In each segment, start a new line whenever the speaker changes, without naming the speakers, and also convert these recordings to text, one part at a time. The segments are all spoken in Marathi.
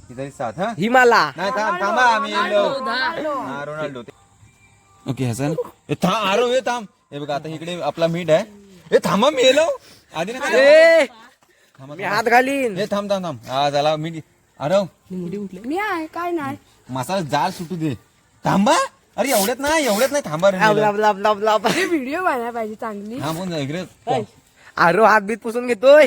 इधर साथ हा
हिमाला
नाही थांबा आम्ही रोनाल्डो ओके हसन आरो हे थांब हे बघा आता इकडे आपला मीठ आहे हे थांबा मी येलो आधी ना
मी हात घालीन.
हे थांब थांब थांब हा झाला मीठ अरे
मी आहे काय नाही
मसाला जाल सुटू दे थांबा अरे एवढ्यात नाही थांबा रे
व्हिडिओ बनायला पाहिजे चांगली
हा बोल इकडे
आरो हात बीत पुसून घेतोय.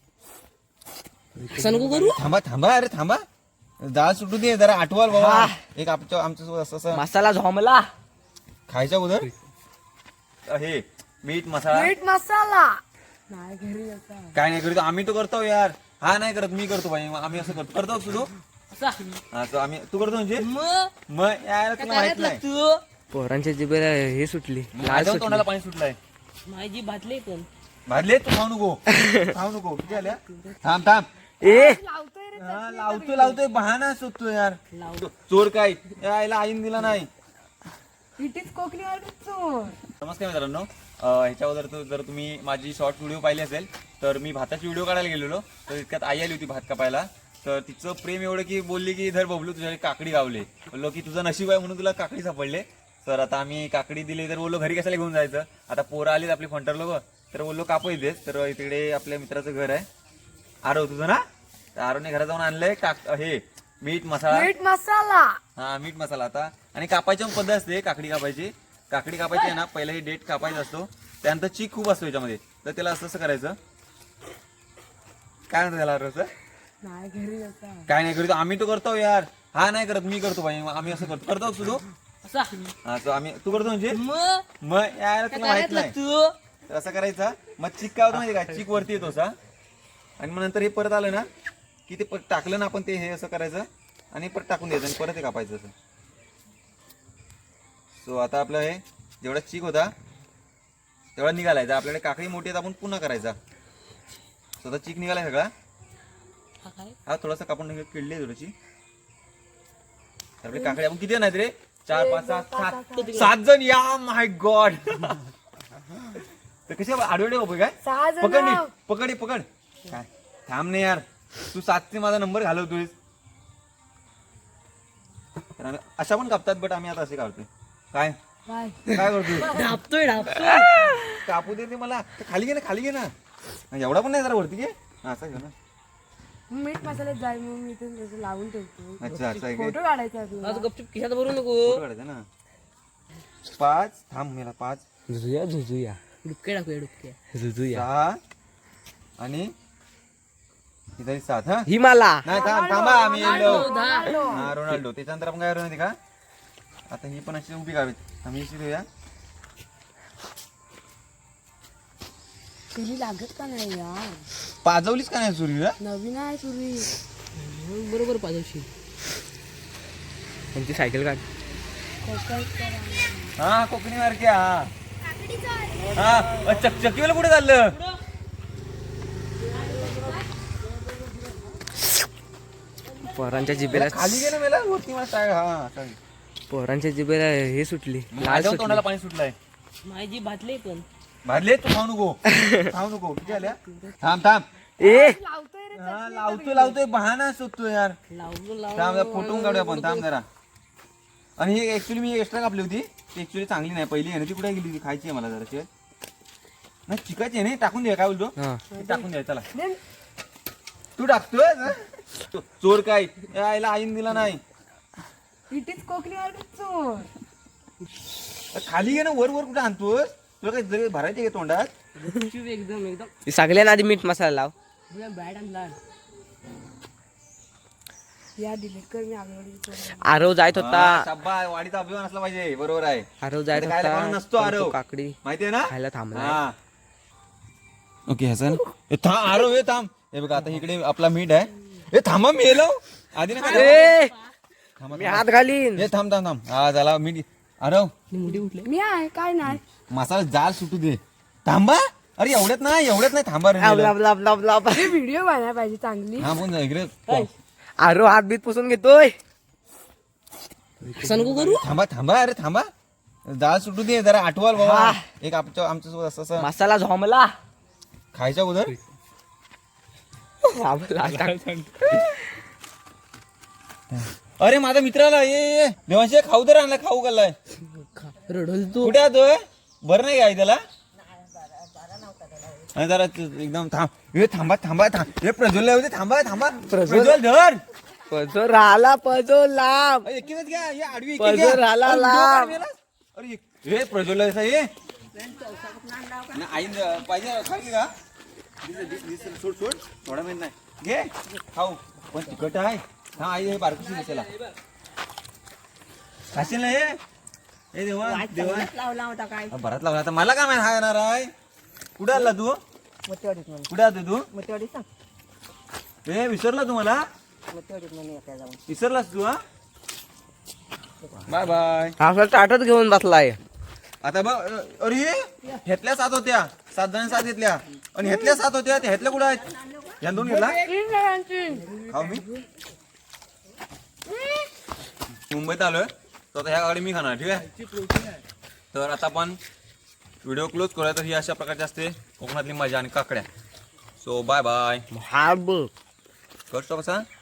थांबा थांबा अरे थांबा जाळ सुटू दे जरा आठवाल बाबा एक आमच्या असं
मसाला झोमला
खायच्या अगोदर हे मीठ मसाला
मीठ मसाला नाही घरी आता
काय नाही करतो आम्ही तो करतो यार हा नाही करत मी करतो भाई आम्ही असं करतो तू हा तो आम्ही तू करतो म्हणजे मग यार तुला माहित नाही
पोरांच्या जिभेला हे सुटली
माझ्या तोंडाला पाणी सुटलंय
माझी भातले पण
भाजले तू खाऊ नको किती आल्या थांब
ए
लावतोय बहाना शोधतो यार चोर काय यायला आईन दिला नाही
इट इज कोकणी चोर.
नमस्कार मित्रांनो ह्याच्यावर जर तुम्ही माझी शॉर्ट व्हिडिओ पाहिली असेल तर मी भाताची व्हिडिओ काढायला गेलेलो तर इतक्यात आई आली होती भात कापायला तर तिचं प्रेम एवढं की बोलली की धर बबलू तुझ्या काकडी गावले बोललो की तुझं नशीब आहे म्हणून तुला काकडी सापडले तर आता आम्ही काकडी दिली तर बोललो घरी कशाला घेऊन जायचं आता पोरं आलीत आपली फंटर लोक तर बोललो कापू येतेच तर तिकडे आपल्या मित्राचं घर आहे आरव तुझं ना तर आरवने घरात जाऊन आणलंय हे मीठ मसाला हा मीठ मसाला आता आणि कापायची पण पद्धत असते काकडी कापायची आहे ना पहिला हे डेट कापायचा असतो त्यानंतर चीक खूप असतो याच्यामध्ये तर त्याला असं करायचं काय म्हणतो त्याला आरवचं
नाही घरी आता
काय नाही करतो आम्ही तो करतो यार हा नाही करत मी करतो भाई आम्ही असं करतो तू हा तो आम्ही तू करतो म्हणजे मग यार तुला माहित नाही तर असं करायचा मग चिक काय होतं माहिती काय चिक वरती येतो असा आणि मग नंतर हे परत आलं ना की ते टाकलं ना आपण ते हे असं करायचं आणि परत टाकून द्यायचं आणि परत हे कापायचं असं सो आता आपलं हे जेवढा चिक होता तेवढा निघालायचा आपल्याकडे काकडी मोठी आहेत आपण पुन्हा करायचा स्वतः चिक निघालाय सगळा हा थोडासा कापून किडली थोडीशी आपली काकडी आपण किती नाही रे 4 5 6 7 जण या माय गॉड तर कशी आडवडे बाबू काय
6 जण
पकड काय थांब नाही यार तू 7 माझा नंबर घालवतोय तर आम्ही अशा पण कापतात बट आम्ही आता असे काढतोय काय करतोय
ढापतोय
कापू दे ते मला खाली घे ना एवढा पण नाही जरा वरती घे असं घे ना
मीठ मसाल्यात जाय मग मी इथे लावून ठेवतो
अच्छा
फोटो काढायचा
आज गपचूप खिशात भरू नको
फोटो काढायचा ना 5 थांब मला 5
झुझुया
डुबके टाकूया डुबके
6 आणि इधर 7 हा
हिमाला
नाही थांबा आम्ही रोनाल्डो त्याच्यानंतर आपण काय करणार का आता ही पण अशी उभी काढावी आम्ही अशी देऊया
सुरी लागत का नाही यार
पाजवलीच का नाही सुरीला
नवीन आहे सुरी
बरोबर पाजवशी
त्यांची सायकल काढ
हा कोकणी मार्के हा चकचकीवाला कुठे चाललं
पोरांच्या जिभेला
खाली गेलं मला वरती मला
पोरांच्या जिभेला हे सुटली
माझ्या तोंडाला पाणी सुटलंय
माझी भातले पण
भाजले तू खाऊ नको किती आल्या थांब
ए
लावतोय बहाना शोधतो यार थांब फोटो काढूया आपण थांब जरा आणि ही ऍक्च्युली मी एक्स्ट्रा कापली होती ती ऍक्च्युली चांगली नाही पहिली आहे ना ती कुठे गेली होती खायची आहे मला जरा नाही चिकायची आहे नाही टाकून द्या काय बोलतो टाकून द्या चला तू टाकतोय चोर काय यायला आईन दिला नाही
इट इज कोकणी चोर
खाली घे ना वर कुठे आणतोय तुला काही जरी भरायचे का तोंडात
गपचूप एकदम
सगळ्यांना आधी मीठ मसाला लाव
बॅट आणला
या डिलीट कर मी आगवडी
आरव जायत होता
शब्बा वाडीचा अभिमान असला पाहिजे बरोबर आहे
आरव जायत
इथे खायला कोण नसतो
होता
आरव.
पण तो काकडी
माहितीये ना
खायला थांबला
हा ओके हसन आरो हे थांब हे बघा आता इकडे आपला मीठ आहे हे थांबा मी येलो आधी ना
मी हात घालीन.
हे थांब हा झाला मीठ आरव
मी आहे काय नाही
मसाला जाल सुटू दे थांबा अरे एवढ्यात नाही थांबा रे
व्हिडिओ बनायला पाहिजे चांगली
हा बोल इकडे
आरव हात बीत पुसून घेतोय.
असं नको करू
थांबा अरे थांबा जाळ सुटू दे जरा आठवाल बाबा एक आमच्या सोबत असं
मसाला झोमला
खायच्या अगोदर अरे माझा मित्राला ये देवांशी खाऊ तर आणला खाऊ घाललाय
रडल तू
कुठे आतोय बरं नाही काय त्याला आणि जरा एकदम थांब हे थांबा हे प्रज्वल होते थांबा प्रज्वल धर
पजो राहिला पजो लांब
एकीनच घ्या हे आडवी एकी
पजर
घ्या.
आला
अरे,
लांब.
उद्या काय अरे हे प्रज्वल हे आई पाहिजे खाली का सोड थोडा मिनिट नाही घे खाऊ पण तिखट आहे हा आई हे बारकुशी दिसेला खाशील ना हे देवा
लावला होता काय
बराच लावला आता मला काय माहिती हा येणार आहे कुठे आला तू
मतेवाडीत म्हणून
कुठे आलो तू
मतेवाडीत सांग
हे विसरला तू मला
मतेवाडीत म्हणून येत्या जाऊन
विसरलास तू हा बाय बाय
आपला ताटच घेऊन बसलाय
आता बघ अरे ह्यातल्या 7 होत्या 7 जण 7 घेतल्या आणि ह्यातल्या 7 होत्या त्या ह्यातल्या कुठं आहेत या 2 घेतला खाऊ मी मुंबईत आलोय तर आता ह्या गाडी मी खाणार ठीक आहे तर आता आपण व्हिडिओ क्लोज करूया तर ही अशा प्रकारची असते कोकणातली मजा आणि काकड्या सो बाय बाय
हा बघ
करतो कसा